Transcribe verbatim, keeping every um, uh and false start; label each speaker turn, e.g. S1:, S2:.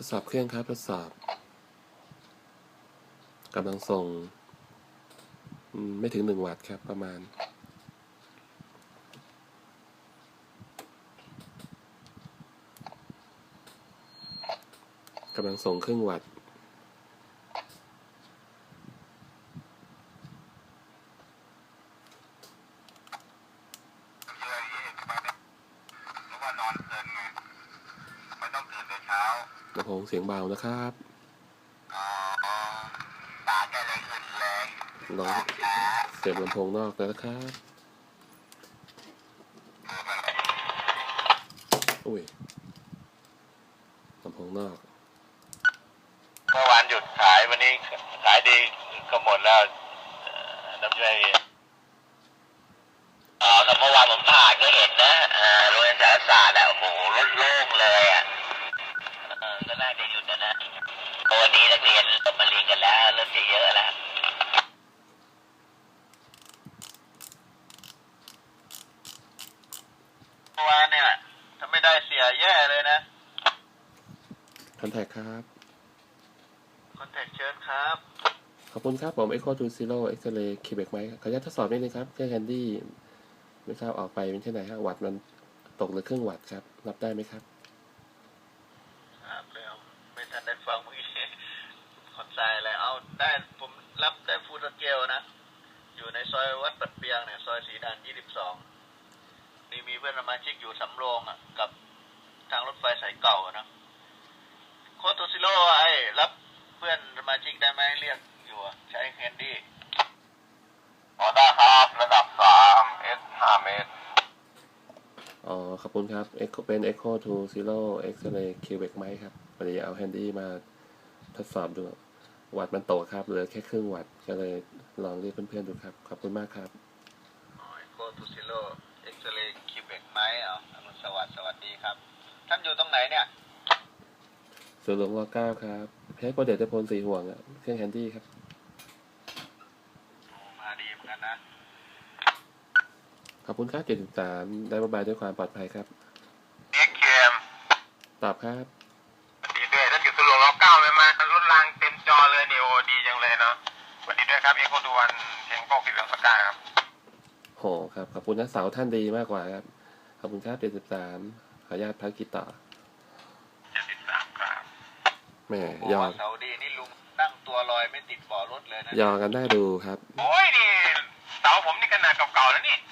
S1: สอบเครื่องครับทดสอบกำลังส่งไม่ถึงหนึ่งวัตต์ครับประมาณกำลังส่งครึ่งวัตต์ลำโพงเสียงเบานะครับลองเสียบลำโพงนอกแล้วนะครับอุ้ยลำโพงนอก
S2: เมื่อวานหยุดขายวันนี้ขายดีก็หมดแล้วน้ำใจอ๋อแต่เมื่อวานผมผ่านก็เห็นนะโรงเรียนสารศาสตร์อ่ะโอ้โหรถโล่งเลยอ่ะก็น่าจะหยุดนะนะวันนี้นักเรียนเริ่มมาเรียนกันแล้วเริ่มจะเยอะแล้วเมื่อวานเนี่ยถ้าไม่ได้เสียแย่เลยนะ
S1: คอนแทคครับ
S2: คอนแทคเชิญครับ
S1: ขอบคุณครับผม Echo to Zero X-ray Quebec ไหมขออนุญาตทดสอบนิดนึงครับเครื่องแคนดี้ไม่ทราบออกไปเป็นที่ไหนฮะวัตต์มันตกหรือครึ่งวัตต์ครับรับได้ไหมครับ
S2: ครับแล้วไม่ทันได้ฟังเมื่อกี้ขอนใจอะไรเอาได้ผมรับได้ฟูลสเกลนะอยู่ในซอยวัดปัดเปียงเนี่ยซอยสีด่านยี่สิบสองนี่มีเพื่อนสมาชิกอยู่สำโรงอ่ะกับทางรถไฟสายเก่านะโคโตซิโร่ไอ้รับเพื่อนสมาชิกได้ไหมเรียกอยู่ใช้แคนดี้อ๋อได้ครับระดับสามเอสห้าเมตร
S1: อ๋อขอบคุณครับ Echo เป็น Echo to Zero X-ray Quebec ไหมครับวันนี้เอาแฮนดี้มาทดสอบดูวัตต์มันตกครับเหลือแค่ครึ่งวัตต์ก็เลยลองเรียกเพื่อนๆดูครับขอบคุณมากครับ
S2: อ๋อ Echo to Zero X-ray Quebec ไหมอ๋ออนุสวัสดิ์สวัสดีครับท่านอยู่ตรงไหนเนี่ย
S1: ส่วนหลวงรอเก้าครับเพชรโปรเดตพลสีห่วงอ่ะเครื่องแฮนดี้ครับ
S2: มาดีเหมือนกันนะ
S1: ขอบคุณครับเจ็ดสิบสามได้บายบายด้วยความปลอดภัยครับ
S2: เอ็กเคม
S1: ตอบครับ
S2: ดีด้วยท่านอยู่สุรวงศ์รอเก้าไหมมารถรางเต็มจอเลยนี่โอ้ดีจังเลยเนาะสวัสดีด้วยครับเอ็กโคดูวันเพียงโป้กิจวัตรสกายครับ
S1: โหครับขอบคุณนะเสาท่านดีมากกว่าครับขอบคุณครับเจ็ดสิบสามขออนุญาตพักกิจต่อ
S2: เจ็ดสิบสามครับ
S1: แม่ยอ
S2: เสาดีนี่ลุงนั่งตัวลอยไม่ติดเบาะรถเลยนะ
S1: ยอกันได้ดูครับ
S2: โอ้ยนี่เสาผมนี่ขนาดเก่าๆแล้วนี่